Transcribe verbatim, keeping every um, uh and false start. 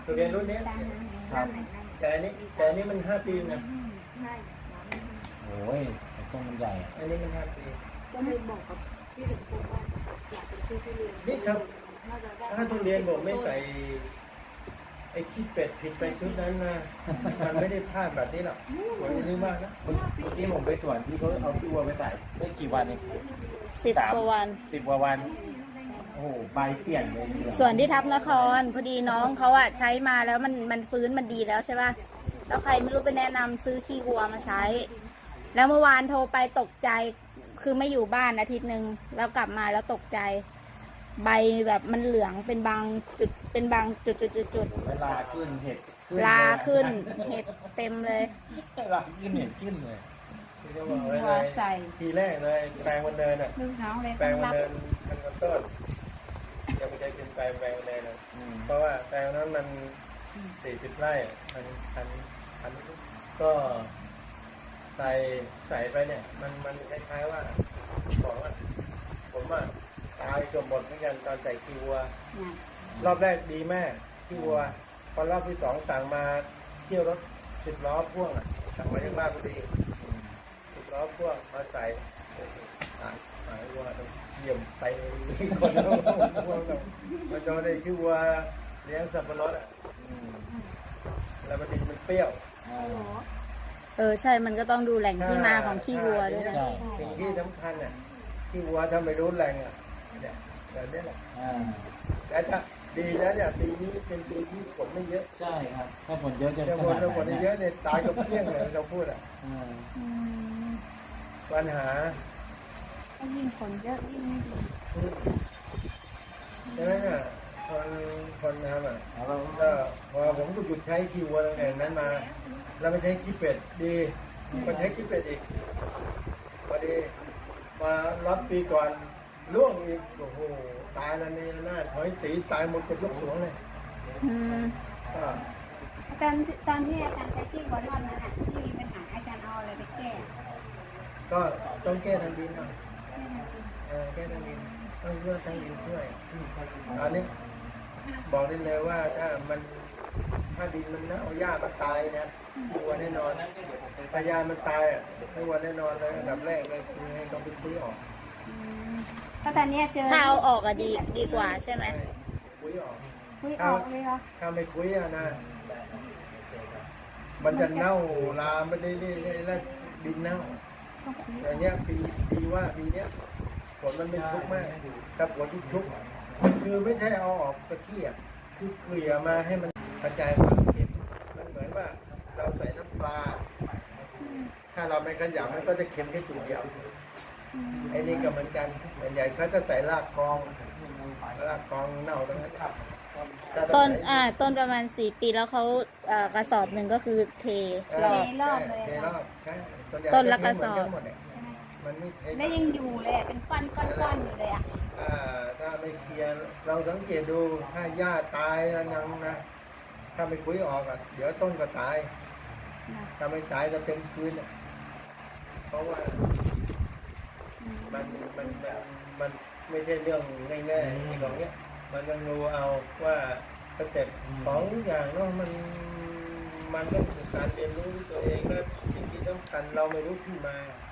ทุเรียนรุ่นนี้ครับแต่อันนี้แต่อันนี้มันห้าปีนะโอ้ยต้นมันใหญ่อันนี้มันห้าปีก็เลยบอกกับพี่ถึงปุ๊บว่าอยากเป็นซื้อทุเรียนนี่ถ้าถ้าทุเรียนบอกไม่ใส่ไอ้ขี้เป็ดผิดไปชุดนั้นนะมันไม่ได้พลาดแบบนี้หรอกหวังนี้มากนะเมื่อกี้ผมไปสวนที่เขาเอาขี้วัวไปใส่ได้กี่วันเองสิบกว่าวันสิบกว่าวันโอ้โหใบเปลี่ยนเลยส่วนที่ทับนครพอดีน้องเขาอะใช้มาแล้วมันมันฟื้นมันดีแล้วใช่ป่ะแล้วใครไม่รู้ไปแนะนำซื้อขี้วัวมาใช้แล้วเมื่อวานโทรไปตกใจคือไม่อยู่บ้านอาทิตย์หนึ่งแล้วกลับมาแล้วตกใจใบแบบมันเหลืองเป็นบางจุดเป็นบางจุดจุดจุดจุดเวลาขึ้นเห็ดลาขึ้นเห็ดเต็มเลยลาขึ้นเห็ดขึ้นเลยที่จะบอกเลยทีแรกเลยแปลงวันเดินอ่ะแปลงวันเดินมันก็ต้นยังไม่ได้กินแปลงแปลงวันเดินนะเพราะว่าแปลงนั้นมันสี่สิบไร่พันพันพันก็ใส่ใส่ไปเนี่ยมันมันคล้ายๆว่าบอกว่าผมอ่ะตายเกือบหมดเหมือนกันตอนใส่ขี้วัวรอบแรกดีแม่ขี้วัวพอรอบที่สองสั่งมาเที่ยวรถสิบล้อพ่วงอ่ะสั่งมาจากบ้านพอดีสิบล้อพ่วงมาใส่หายหายวัวต้องเยี่ยมไปคนละพ่วงกับมาจอได้ขี้วัวเลี้ยงสับปะรดอ่ะแล้วมันดินมันเปรี้ยวเออใช่มันก็ต้องดูแหล่งที่มาของขี้วัวด้วยนะสิ่งที่สำคัญอ่ะขี้วัวถ้าไม่รู้แหล่งอ่ะเนี่ยแบบนี้แหละแต่ถ้าดีนะเนี่ยปีนี้เป็นปีที่ฝนไม่เยอะใช่ครับถ้าฝนเยอะจะฝนถ้าฝนเยอะเนี่ยตายกับเพี้ยงเลยเราพูดอ่ะปัญหายิ่งฝนเยอะยิ่งไม่ดีดังนั้นอ่ะคนคนทำอ่ะก็พอผมก็หยุดใช้ขี้วัวตั้งแต่นั้นมาแล้วไม่ใช้ขี้เป็ดดีมาใช้ขี้เป็ดอีกพอดีมารับปีก่อนล่วงอีกโอ้โหตายแล้วนี่น่าหอยตีตายหมดกับยกสวงเลยก็ตอนตอนที่อาจารย์ใช้ที่วัวรอบนั้นอ่ะที่มีปัญหาอาจารย์เอาอะไรไปแก้ก็ต้องแก้ทางดินเอาเออแก้ทางดินต้องช่วยทางดินช่วยอันนี้บอกได้เลยว่าถ้ามันถ้าดินมันเน่าหญ้ามันตายนะวัวแน่นอนพยามันตายอ่ะให้วัวแน่นอนเลยอันดับแรกเลยคือให้ต้องไปคุยออกถ้าตอนนี้เจอถ้าเอาออกอะดีดีกว่าใช่ไหมคุยออกคุยออกเลยเหรอถ้าไม่คุยอะนะมันจะเน่าลามไปได้ได้แล้วดินเน่าแต่เนี้ยปีปีว่าปีเนี้ยฝนมันไม่ชุกมากแต่ฝนที่ชุกคือไม่ใช่เอาออกตะเกียบคือเกลี่ยมาให้มันกระจายความเค็มมันเหมือนว่าเราใส่น้ำปลาถ้าเราไม่ขยำมันก็จะเค็มแค่จุดเดียวไอ้นี่ก็เหมือนกันส่วนใหญ่เขาจะใส่รากกองรากกองเน่าตรงนั้นต้นอ่าต้นประมาณสี่ปีแล้วเขาอ่ากระสอบหนึ่งก็คือเทรอบรอบเลยต้นละกระสอบมันไม่ไม่ยังอยู่เลยเป็นก้อนก้อนอยู่เลยอ่ะถ้าไม่เคลียร์เราสังเกตดูถ้าหญ้าตายแล้วยังนะถ้าไม่คุยออกอ่ะเดี๋ยวต้นก็ตายถ้าไม่ตายก็เต็มคืนเพราะว่ามันมันมันไม่ใช่เรื่องง่ายๆในของเนี้ยมันต้องรู้เอาว่าสเต็ปของอย่างเนาะมันมันต้องการเรียนรู้ตัวเองและสิ่งที่สำคัญเราไม่รู้ที่มา